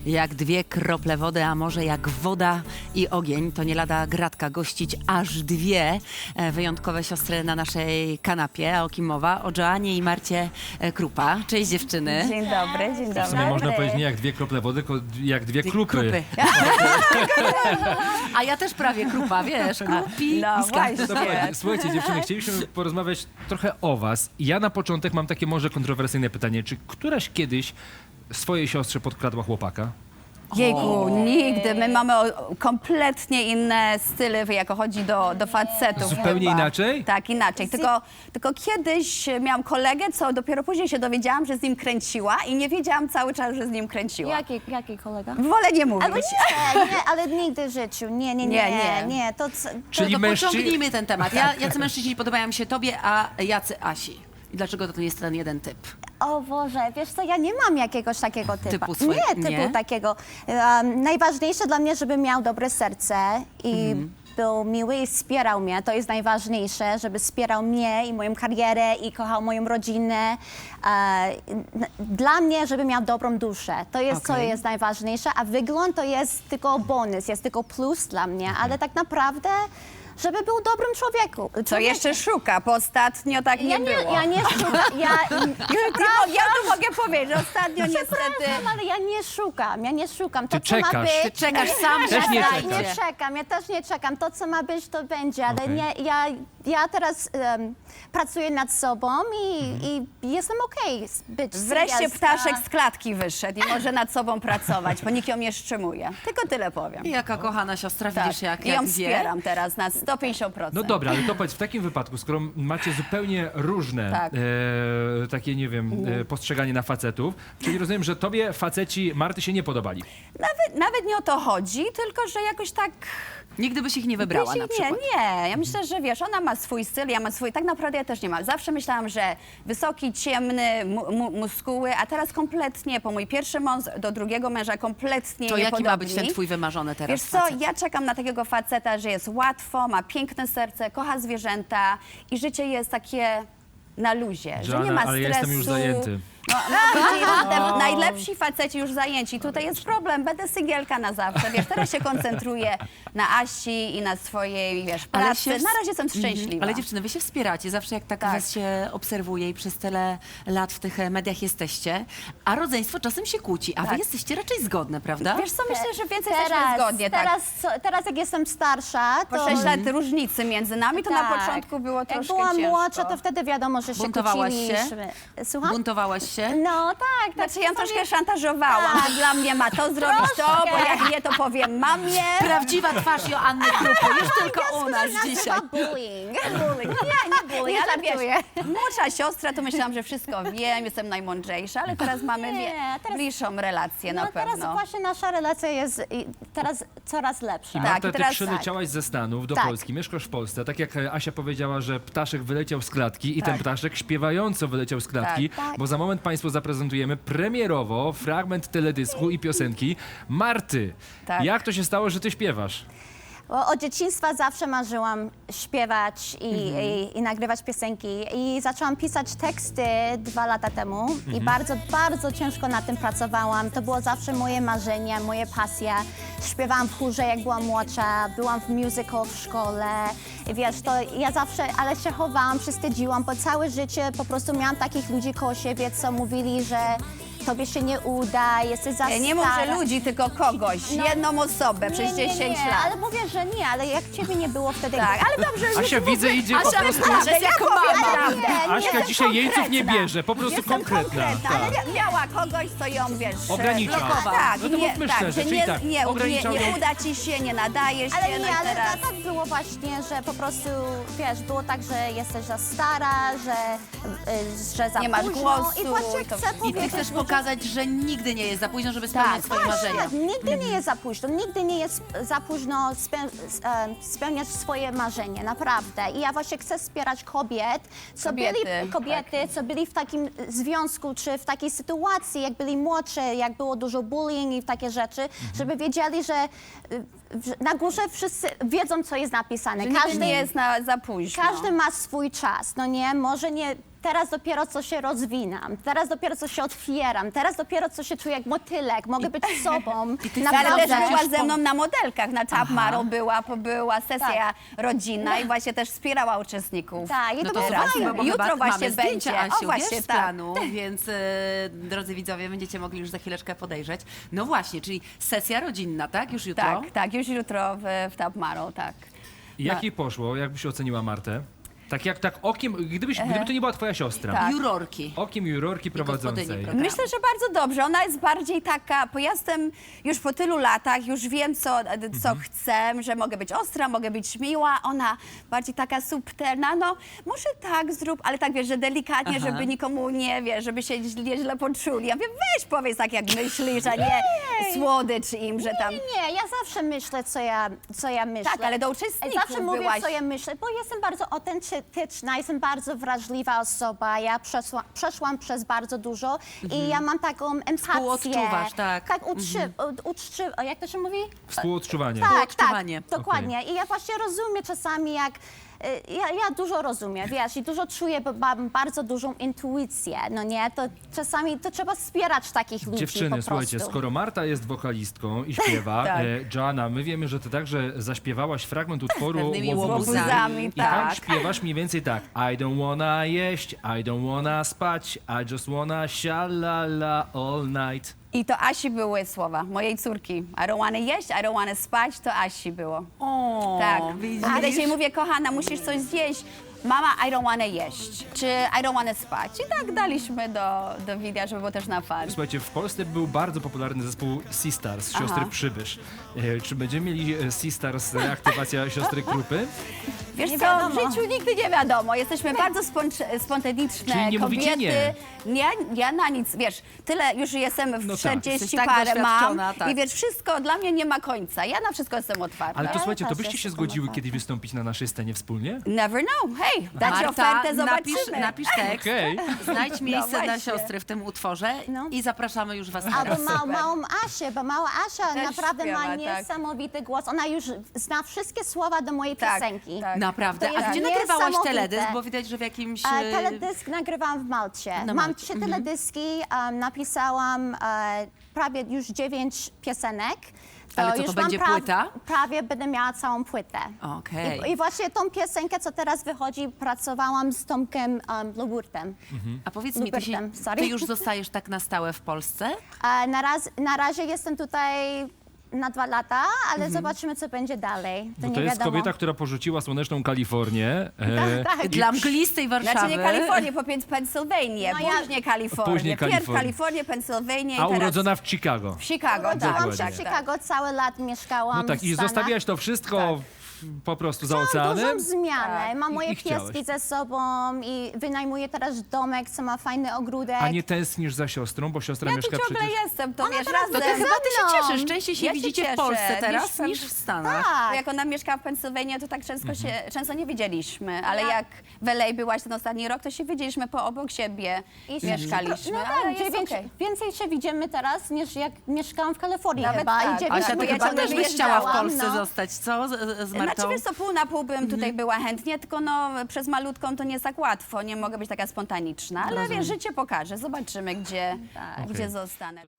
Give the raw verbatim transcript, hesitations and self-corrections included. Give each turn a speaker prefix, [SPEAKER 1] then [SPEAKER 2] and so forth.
[SPEAKER 1] Jak dwie krople wody, a może jak woda i ogień, to nie lada gratka gościć aż dwie e, wyjątkowe siostry na naszej kanapie. A o kim mowa? O Joannie i Marcie e, Krupa. Cześć dziewczyny.
[SPEAKER 2] Dzień dobry, dzień dobry.
[SPEAKER 3] W sumie można powiedzieć nie jak dwie krople wody, tylko jak dwie
[SPEAKER 1] Dwie
[SPEAKER 3] krupy.
[SPEAKER 1] krupy. A ja też prawie krupa, wiesz, krupi
[SPEAKER 2] No
[SPEAKER 1] i skarb.
[SPEAKER 2] właśnie.
[SPEAKER 3] Słuchajcie, słuchajcie, dziewczyny, chcieliśmy porozmawiać trochę o was. Ja na początek mam takie może kontrowersyjne pytanie. Czy któraś kiedyś swojej siostrze podkradła chłopaka?
[SPEAKER 2] Jejku, nigdy. My mamy o- kompletnie inne style, jako chodzi do, do facetów.
[SPEAKER 3] Zupełnie
[SPEAKER 2] chyba.
[SPEAKER 3] inaczej?
[SPEAKER 2] Tak, inaczej. Tylko, tylko kiedyś miałam kolegę, co dopiero później się dowiedziałam, że z nim kręciła i nie wiedziałam cały czas, że z nim kręciła.
[SPEAKER 4] Jaki, jaki kolega?
[SPEAKER 2] Wolę nie mówić.
[SPEAKER 4] Albo nie, nie, ale nigdy w życiu. Nie, nie, nie,
[SPEAKER 2] Nie,
[SPEAKER 4] nie,
[SPEAKER 2] nie.
[SPEAKER 4] nie. To, co-
[SPEAKER 3] Czyli
[SPEAKER 1] to
[SPEAKER 3] mężczy...
[SPEAKER 1] pociągnijmy ten temat. Ja, jacy mężczyźni podobają się tobie, a jacy Asi? I dlaczego to jest ten jeden typ?
[SPEAKER 4] O Boże, wiesz co, ja nie mam jakiegoś takiego typu.
[SPEAKER 1] Typu swój-
[SPEAKER 4] nie, typu
[SPEAKER 1] nie?
[SPEAKER 4] takiego. Um, najważniejsze dla mnie, żeby miał dobre serce i
[SPEAKER 1] Mhm.
[SPEAKER 4] był miły i wspierał mnie. To jest najważniejsze, żeby wspierał mnie i moją karierę i kochał moją rodzinę. E, n- dla mnie, żeby miał dobrą duszę. To jest, co
[SPEAKER 1] Okej.
[SPEAKER 4] jest najważniejsze, a wygląd to jest tylko bonus, jest tylko plus dla mnie, ale tak naprawdę, żeby był dobrym człowieku.
[SPEAKER 2] Co
[SPEAKER 4] człowiekiem.
[SPEAKER 2] jeszcze szuka, bo ostatnio tak nie
[SPEAKER 4] Ja nie,
[SPEAKER 2] było.
[SPEAKER 4] ja nie szukam. Ja,
[SPEAKER 2] Ja, ja tu mogę powiedzieć, że ostatnio niestety...
[SPEAKER 4] Przepraszam, ale ja nie szukam, ja nie szukam. To,
[SPEAKER 3] Ty
[SPEAKER 4] co ma
[SPEAKER 3] czekasz.
[SPEAKER 4] być,
[SPEAKER 1] Ty czekasz sam,
[SPEAKER 3] Też
[SPEAKER 1] że
[SPEAKER 3] nie
[SPEAKER 4] ja
[SPEAKER 1] znajdzie.
[SPEAKER 4] nie czekam, ja też nie czekam. To, co ma być, to będzie, ale
[SPEAKER 3] Okej.
[SPEAKER 4] nie, ja, ja teraz um, pracuję nad sobą i, i jestem okej z być
[SPEAKER 2] Wreszcie
[SPEAKER 4] single,
[SPEAKER 2] ptaszek
[SPEAKER 4] a-
[SPEAKER 2] z klatki wyszedł i może nad sobą pracować, bo nikt ją nie szczymuje. Tylko tyle powiem.
[SPEAKER 1] I jaka kochana siostra,
[SPEAKER 2] Tak.
[SPEAKER 1] widzisz jak,
[SPEAKER 2] I
[SPEAKER 1] jak
[SPEAKER 2] ją
[SPEAKER 1] wie.
[SPEAKER 2] wspieram teraz na sto pięćdziesiąt procent.
[SPEAKER 3] No dobra, ale to powiedz, w takim wypadku, skoro macie zupełnie różne
[SPEAKER 2] Tak.
[SPEAKER 3] e, takie, nie wiem, e, postrzeganie na facetów, czyli rozumiem, że tobie faceci Marty się nie podobali.
[SPEAKER 2] Nawet, nawet nie o to chodzi, tylko że jakoś tak...
[SPEAKER 1] Nigdy byś ich nie wybrała
[SPEAKER 2] Wiecie,
[SPEAKER 1] na przykład.
[SPEAKER 2] Nie, nie. Ja myślę, że wiesz, ona ma swój styl, ja mam swój. Tak naprawdę ja też nie mam. Zawsze myślałam, że wysoki, ciemny, mu, mu, muskuły, a teraz kompletnie, po mój pierwszy mąż do drugiego męża kompletnie
[SPEAKER 1] To jaki ma
[SPEAKER 2] niepodobni.
[SPEAKER 1] być ten twój wymarzony teraz
[SPEAKER 2] Wiesz co,
[SPEAKER 1] facet?
[SPEAKER 2] ja czekam na takiego faceta, że jest łatwo, ma piękne serce, kocha zwierzęta i życie jest takie na luzie, że nie
[SPEAKER 3] Joanna,
[SPEAKER 2] ma
[SPEAKER 3] ale
[SPEAKER 2] stresu.
[SPEAKER 3] ja jestem już zajęty.
[SPEAKER 2] No, no, widzisz, te najlepsi faceci już zajęci. Tutaj jest problem, będę singielka na zawsze. Wiesz, teraz się koncentruję na Asi i na swojej, wiesz, pracy.
[SPEAKER 1] ws-
[SPEAKER 2] Na razie jestem
[SPEAKER 1] Mhm.
[SPEAKER 2] szczęśliwa.
[SPEAKER 1] Ale dziewczyny, wy się wspieracie, zawsze jak tak,
[SPEAKER 2] Tak.
[SPEAKER 1] was się obserwuje i przez tyle lat w tych e, mediach jesteście, a rodzeństwo czasem się kłóci, a wy
[SPEAKER 2] Tak.
[SPEAKER 1] jesteście raczej zgodne, prawda?
[SPEAKER 2] Wiesz co, myślę, że więcej jesteśmy
[SPEAKER 4] Teraz,
[SPEAKER 2] zgodnie, tak.
[SPEAKER 4] teraz, co, teraz jak jestem starsza, to...
[SPEAKER 2] Po sześć lat różnicy między nami, to na
[SPEAKER 4] Tak.
[SPEAKER 2] początku było
[SPEAKER 4] Jak
[SPEAKER 2] troszkę
[SPEAKER 4] byłam
[SPEAKER 2] ciężko.
[SPEAKER 4] młodsza, to wtedy wiadomo, że się
[SPEAKER 1] Buntowałaś się?
[SPEAKER 4] kłóciliśmy. Słucham?
[SPEAKER 1] Buntowałaś się?
[SPEAKER 4] No tak, tak.
[SPEAKER 2] Znaczy ja ją
[SPEAKER 4] czasami-
[SPEAKER 2] troszkę szantażowałam,
[SPEAKER 4] Tak.
[SPEAKER 2] że dla mnie ma to zrobić to, bo
[SPEAKER 4] Troszkę.
[SPEAKER 2] jak nie, to powiem mamie.
[SPEAKER 1] Prawdziwa twarz Joanny Krupy, już tylko u nas
[SPEAKER 4] nazywa
[SPEAKER 1] dzisiaj.
[SPEAKER 4] bullying.
[SPEAKER 2] Bullying. Nie, nie bullying,
[SPEAKER 4] Nie
[SPEAKER 2] ale wiesz,
[SPEAKER 4] żartuję.
[SPEAKER 2] młodsza siostra, to myślałam, że wszystko wiem, jestem najmądrzejsza, ale teraz mamy
[SPEAKER 4] Nie,
[SPEAKER 2] wie,
[SPEAKER 4] teraz-
[SPEAKER 2] bliższą relację
[SPEAKER 4] No
[SPEAKER 2] na
[SPEAKER 4] teraz
[SPEAKER 2] pewno.
[SPEAKER 4] właśnie nasza relacja jest i teraz coraz lepsza.
[SPEAKER 3] I
[SPEAKER 2] Tak,
[SPEAKER 3] Marta,
[SPEAKER 2] i
[SPEAKER 3] ty
[SPEAKER 2] teraz
[SPEAKER 3] przyleciałaś ze Stanów do
[SPEAKER 4] Tak.
[SPEAKER 3] Polski, mieszkasz w Polsce. Tak jak e, Asia powiedziała, że ptaszek wyleciał z klatki i
[SPEAKER 2] Tak.
[SPEAKER 3] ten ptaszek śpiewająco wyleciał z klatki,
[SPEAKER 4] Tak, tak.
[SPEAKER 3] bo za moment Państwu zaprezentujemy premierowo fragment teledysku i piosenki Marty.
[SPEAKER 2] Tak.
[SPEAKER 3] Jak to się stało, że ty śpiewasz?
[SPEAKER 4] Bo od dzieciństwa zawsze marzyłam śpiewać i, i, i nagrywać piosenki. I zaczęłam pisać teksty dwa lata temu i bardzo, bardzo ciężko nad tym pracowałam. To było zawsze moje marzenie, moje pasja. Śpiewałam w chórze, jak byłam młodsza, byłam w musical w szkole. I wiesz, to ja zawsze, ale się chowałam, wstydziłam, bo całe życie po prostu miałam takich ludzi koło siebie, co mówili, że tobie się nie uda, jesteś za
[SPEAKER 2] Nie mów,
[SPEAKER 4] stara.
[SPEAKER 2] że ludzi, tylko kogoś,
[SPEAKER 4] No.
[SPEAKER 2] jedną osobę przez
[SPEAKER 4] Nie, nie,
[SPEAKER 2] dziesięć
[SPEAKER 4] nie,
[SPEAKER 2] lat.
[SPEAKER 4] ale mówię, że nie, ale jak ciebie nie było wtedy...
[SPEAKER 2] Tak, ale dobrze, że
[SPEAKER 3] Asia, widzę, idzie po
[SPEAKER 1] Asia,
[SPEAKER 3] prostu...
[SPEAKER 1] prawda,
[SPEAKER 2] ja
[SPEAKER 1] jako
[SPEAKER 2] powiem
[SPEAKER 1] mama.
[SPEAKER 2] prawdę.
[SPEAKER 4] Nie,
[SPEAKER 3] Aśka
[SPEAKER 2] Jestem
[SPEAKER 3] dzisiaj jeńców nie
[SPEAKER 2] konkretna.
[SPEAKER 3] bierze, po prostu
[SPEAKER 2] Jestem
[SPEAKER 3] konkretna.
[SPEAKER 2] konkretna,
[SPEAKER 3] Tak.
[SPEAKER 2] ale mia- miała kogoś, co ją, wiesz...
[SPEAKER 3] Ogranicza.
[SPEAKER 2] blokował. Tak,
[SPEAKER 3] No to
[SPEAKER 2] nie,
[SPEAKER 3] mówmy
[SPEAKER 2] tak,
[SPEAKER 3] szczerze,
[SPEAKER 2] że
[SPEAKER 3] czyli
[SPEAKER 2] nie,
[SPEAKER 3] tak,
[SPEAKER 2] nie, nie,
[SPEAKER 3] ograniczał
[SPEAKER 2] nie
[SPEAKER 3] ją-
[SPEAKER 2] uda ci się, nie nadajesz
[SPEAKER 4] Ale
[SPEAKER 2] się, no
[SPEAKER 4] nie,
[SPEAKER 2] i
[SPEAKER 4] ale
[SPEAKER 2] teraz...
[SPEAKER 4] to, tak było właśnie, że po prostu, wiesz, było tak, że jesteś za stara, że, y, że za
[SPEAKER 2] Nie masz
[SPEAKER 4] późno.
[SPEAKER 2] głosu
[SPEAKER 4] I właśnie
[SPEAKER 2] i to
[SPEAKER 4] chcę
[SPEAKER 2] wszystko.
[SPEAKER 1] I ty
[SPEAKER 4] powiedzieć,
[SPEAKER 1] chcesz
[SPEAKER 4] że-
[SPEAKER 1] pokazać, że nigdy nie jest za późno, żeby spełniać
[SPEAKER 2] Tak,
[SPEAKER 1] swoje
[SPEAKER 4] Właśnie,
[SPEAKER 1] marzenia.
[SPEAKER 4] nigdy nie jest za późno, nigdy nie jest za późno speł, e, spełniać swoje marzenie, naprawdę. I ja właśnie chcę wspierać kobiet, co
[SPEAKER 2] Kobiety,
[SPEAKER 4] byli, kobiety, co byli w takim związku, czy w takiej sytuacji, jak byli młodsze, jak było dużo bullying i takie rzeczy, żeby wiedzieli, że y, w- na górze wszyscy wiedzą, co jest napisane.
[SPEAKER 2] Że nigdy nie jest na, za późno.
[SPEAKER 4] Każdy ma swój czas, no nie? Może nie teraz dopiero co się rozwinam, teraz dopiero co się otwieram, teraz dopiero co się czuję jak motylek, mogę być sobą.
[SPEAKER 1] ty
[SPEAKER 2] Ale też
[SPEAKER 1] Naprawdę?
[SPEAKER 2] była ze mną na modelkach, na Top Model była, była sesja rodzinna i właśnie też wspierała uczestników.
[SPEAKER 4] Tak, i
[SPEAKER 1] No
[SPEAKER 4] to
[SPEAKER 1] to
[SPEAKER 4] było
[SPEAKER 1] słuchajcie,
[SPEAKER 4] fajne.
[SPEAKER 1] bo
[SPEAKER 2] Jutro
[SPEAKER 1] chyba
[SPEAKER 2] właśnie
[SPEAKER 1] mamy zdjęcia
[SPEAKER 2] będzie.
[SPEAKER 1] Asiu,
[SPEAKER 2] O, właśnie,
[SPEAKER 1] wiesz, z
[SPEAKER 2] tak.
[SPEAKER 1] planu, więc e, drodzy widzowie, będziecie mogli już za chwileczkę podejrzeć. No właśnie, czyli sesja rodzinna, tak? Już jutro?
[SPEAKER 2] Tak, tak, już jutro w, w Top Model, tak.
[SPEAKER 3] Jak jej poszło? Jak byś oceniła Martę? Tak jak tak okiem, gdybyś, gdyby to nie była twoja siostra.
[SPEAKER 2] Tak.
[SPEAKER 1] Jurorki.
[SPEAKER 3] Okiem jurorki prowadzącej.
[SPEAKER 1] gospodyni programu.
[SPEAKER 2] Myślę, że bardzo dobrze. Ona jest bardziej taka, bo ja jestem już po tylu latach, już wiem, co, co chcę, że mogę być ostra, mogę być miła. Ona bardziej taka subtelna, no może tak zrób, ale tak wiesz, że delikatnie,
[SPEAKER 1] Aha.
[SPEAKER 2] żeby nikomu nie, wiesz, żeby się źle, źle poczuli. Ja wiem, weź powiedz tak, jak myślisz, a nie słodycz im, że tam...
[SPEAKER 4] Nie, nie, ja zawsze myślę, co ja, co ja myślę.
[SPEAKER 2] Tak, ale do uczestników
[SPEAKER 4] Zawsze mówię,
[SPEAKER 2] byłaś...
[SPEAKER 4] co ja myślę, bo jestem bardzo autentyczna, jestem bardzo wrażliwa osoba. Ja przeszła, przeszłam przez bardzo dużo i ja mam taką empatię.
[SPEAKER 1] Współodczuwasz, tak.
[SPEAKER 4] Tak, uczczy, uczczy, o, jak to się mówi?
[SPEAKER 3] Współodczuwanie.
[SPEAKER 4] Tak,
[SPEAKER 1] Współodczuwanie.
[SPEAKER 4] tak, dokładnie. I ja właśnie rozumiem czasami, jak y, ja, ja dużo rozumiem, wiesz, i dużo czuję, bo mam bardzo dużą intuicję, no nie? To czasami to trzeba wspierać takich ludzi po
[SPEAKER 3] Dziewczyny,
[SPEAKER 4] prostu.
[SPEAKER 3] słuchajcie, skoro Marta jest wokalistką i śpiewa,
[SPEAKER 2] Tak.
[SPEAKER 3] e, Joanna, my wiemy, że ty także zaśpiewałaś fragment utworu
[SPEAKER 1] Pewnymi
[SPEAKER 3] Łobuzami.
[SPEAKER 2] łobuzami,
[SPEAKER 3] I tam
[SPEAKER 2] tak.
[SPEAKER 3] śpiewasz mniej więcej tak. I don't wanna jeść, I don't wanna spać, I just wanna shalala all night.
[SPEAKER 2] I to Asi były słowa, mojej córki. I don't wanna jeść, I don't wanna spać, to Asi było.
[SPEAKER 1] O,
[SPEAKER 2] Tak.
[SPEAKER 1] widzisz?
[SPEAKER 2] A kiedy się mówię, kochana, musisz coś zjeść. Mama, I don't wanna jeść. Czy I don't wanna spać. I tak daliśmy do, do wideo, żeby było też na fan.
[SPEAKER 3] Słuchajcie, w Polsce był bardzo popularny zespół Sistars, siostry
[SPEAKER 2] Aha.
[SPEAKER 3] Przybysz. E, czy będziemy mieli e, Sistars, reaktywacja siostry Krupy?
[SPEAKER 2] Wiesz
[SPEAKER 4] Nie
[SPEAKER 2] co,
[SPEAKER 4] wiadomo.
[SPEAKER 2] w życiu nigdy nie wiadomo. Jesteśmy bardzo spontaniczne spontaniczne
[SPEAKER 3] Czyli nie mówicie
[SPEAKER 2] kobiety. Nie. Ja na nic, wiesz, tyle już jestem w
[SPEAKER 3] No tak.
[SPEAKER 2] czterdzieści
[SPEAKER 1] Jesteś tak
[SPEAKER 2] parę mam
[SPEAKER 1] doświadczona, tak.
[SPEAKER 2] i wiesz, wszystko dla mnie nie ma końca. Ja na wszystko jestem otwarta.
[SPEAKER 3] Ale to
[SPEAKER 4] Ja
[SPEAKER 3] słuchajcie, to
[SPEAKER 4] też
[SPEAKER 3] byście się
[SPEAKER 4] jestem
[SPEAKER 3] zgodziły
[SPEAKER 4] otwarta.
[SPEAKER 3] kiedyś wystąpić na naszej scenie wspólnie?
[SPEAKER 2] Never know. Hej, dać
[SPEAKER 1] Marta,
[SPEAKER 2] ofertę,
[SPEAKER 1] napisz,
[SPEAKER 2] zobaczymy.
[SPEAKER 1] napisz tekst,
[SPEAKER 3] Okej.
[SPEAKER 1] znajdź miejsce na
[SPEAKER 2] właśnie.
[SPEAKER 1] siostry w tym utworze
[SPEAKER 4] No.
[SPEAKER 1] i zapraszamy już was teraz.
[SPEAKER 4] Albo ma, małą Asię, bo mała Asia
[SPEAKER 2] Też
[SPEAKER 4] naprawdę
[SPEAKER 2] śpiewa,
[SPEAKER 4] ma
[SPEAKER 2] tak.
[SPEAKER 4] niesamowity głos. Ona już zna wszystkie słowa do mojej
[SPEAKER 2] Tak,
[SPEAKER 4] piosenki.
[SPEAKER 2] tak.
[SPEAKER 1] Naprawdę.
[SPEAKER 4] To
[SPEAKER 1] A
[SPEAKER 4] jest
[SPEAKER 1] gdzie nagrywałaś
[SPEAKER 4] niesamowite.
[SPEAKER 1] teledysk? Bo widać, że w jakimś...
[SPEAKER 4] E,
[SPEAKER 1] e,
[SPEAKER 4] teledysk nagrywałam w Malcie.
[SPEAKER 1] Na
[SPEAKER 4] Mam
[SPEAKER 1] Malcie,
[SPEAKER 4] trzy teledyski, um, napisałam e, prawie już dziewięć piosenek.
[SPEAKER 1] Ale co, to
[SPEAKER 4] już
[SPEAKER 1] będzie
[SPEAKER 4] mam pra-
[SPEAKER 1] płyta?
[SPEAKER 4] Prawie będę miała całą płytę.
[SPEAKER 1] Okej.
[SPEAKER 4] I, I właśnie tą piosenkę, co teraz wychodzi, pracowałam z Tomkiem um, Lugurtem.
[SPEAKER 1] A powiedz mi, ty, się,
[SPEAKER 4] Lubertem, sorry.
[SPEAKER 1] ty już zostajesz tak na stałe w Polsce?
[SPEAKER 4] E, na, raz, na razie jestem tutaj na dwa lata, ale zobaczymy, co będzie dalej. To
[SPEAKER 3] Bo
[SPEAKER 4] nie
[SPEAKER 3] to jest
[SPEAKER 4] wiadomo.
[SPEAKER 3] kobieta, która porzuciła słoneczną Kalifornię. e,
[SPEAKER 4] Tak, tak.
[SPEAKER 1] Dla mglistej Warszawy.
[SPEAKER 2] Znaczy nie Kalifornię, po pięć Pensylwanię,
[SPEAKER 4] No ja-
[SPEAKER 2] później Kalifornię.
[SPEAKER 3] Później
[SPEAKER 2] Pierw
[SPEAKER 3] Kalifornię.
[SPEAKER 2] Kalifornię, Pensylwanię i
[SPEAKER 3] A
[SPEAKER 2] teraz
[SPEAKER 3] urodzona w Chicago.
[SPEAKER 2] w Chicago. Tak,
[SPEAKER 4] Byłam
[SPEAKER 3] Dokładnie.
[SPEAKER 4] się
[SPEAKER 2] tak,
[SPEAKER 4] w
[SPEAKER 2] tak.
[SPEAKER 4] Chicago, cały lat mieszkałam
[SPEAKER 3] No tak,
[SPEAKER 4] w
[SPEAKER 3] i
[SPEAKER 4] Stanach.
[SPEAKER 3] zostawiałaś to wszystko w- po prostu za
[SPEAKER 4] Mam
[SPEAKER 3] oceanem.
[SPEAKER 4] dużą zmianę.
[SPEAKER 2] Tak.
[SPEAKER 4] Mam
[SPEAKER 3] I-
[SPEAKER 4] moje
[SPEAKER 3] i chciałaś.
[SPEAKER 4] pieski ze sobą i wynajmuję teraz domek, co ma fajny ogródek.
[SPEAKER 3] A nie tęsknisz za siostrą, bo siostra
[SPEAKER 2] Ja tu
[SPEAKER 3] mieszka
[SPEAKER 2] ciągle
[SPEAKER 3] przecież...
[SPEAKER 2] jestem, to
[SPEAKER 4] Ona
[SPEAKER 2] wiesz,
[SPEAKER 4] teraz
[SPEAKER 2] razem.
[SPEAKER 1] No to chyba ty się
[SPEAKER 4] Ze mną.
[SPEAKER 1] cieszysz. Częściej się
[SPEAKER 2] Ja się
[SPEAKER 1] widzicie
[SPEAKER 2] cieszę,
[SPEAKER 1] w Polsce teraz
[SPEAKER 2] niż-
[SPEAKER 1] niż w Stanach.
[SPEAKER 4] Tak.
[SPEAKER 2] Bo jak ona mieszka w Pensylwanii, to tak często, się, często nie widzieliśmy, ale
[SPEAKER 4] Ja-
[SPEAKER 2] jak w L A byłaś ten ostatni rok, to się widzieliśmy po obok siebie
[SPEAKER 4] I
[SPEAKER 2] mieszkaliśmy,
[SPEAKER 4] No
[SPEAKER 2] ale
[SPEAKER 4] tak,
[SPEAKER 2] jest
[SPEAKER 4] dziewięć,
[SPEAKER 2] okej.
[SPEAKER 4] więcej się widzimy teraz niż jak mieszkałam w Kalifornii
[SPEAKER 2] Nawet
[SPEAKER 4] chyba.
[SPEAKER 2] tak.
[SPEAKER 4] I dziewięć
[SPEAKER 1] Asia,
[SPEAKER 2] bo
[SPEAKER 1] ty
[SPEAKER 2] ja
[SPEAKER 1] chyba
[SPEAKER 2] ciągle
[SPEAKER 1] też byś chciała w
[SPEAKER 2] wyjeżdżałam,
[SPEAKER 1] Polsce
[SPEAKER 4] no.
[SPEAKER 1] zostać, co? Z, z Martą?
[SPEAKER 2] Znaczy wiesz co, pół na pół bym tutaj była chętnie, tylko no przez malutką to nie jest tak łatwo, nie mogę być taka spontaniczna, ale wiesz, życie pokaże, zobaczymy gdzie, gdzie zostanę.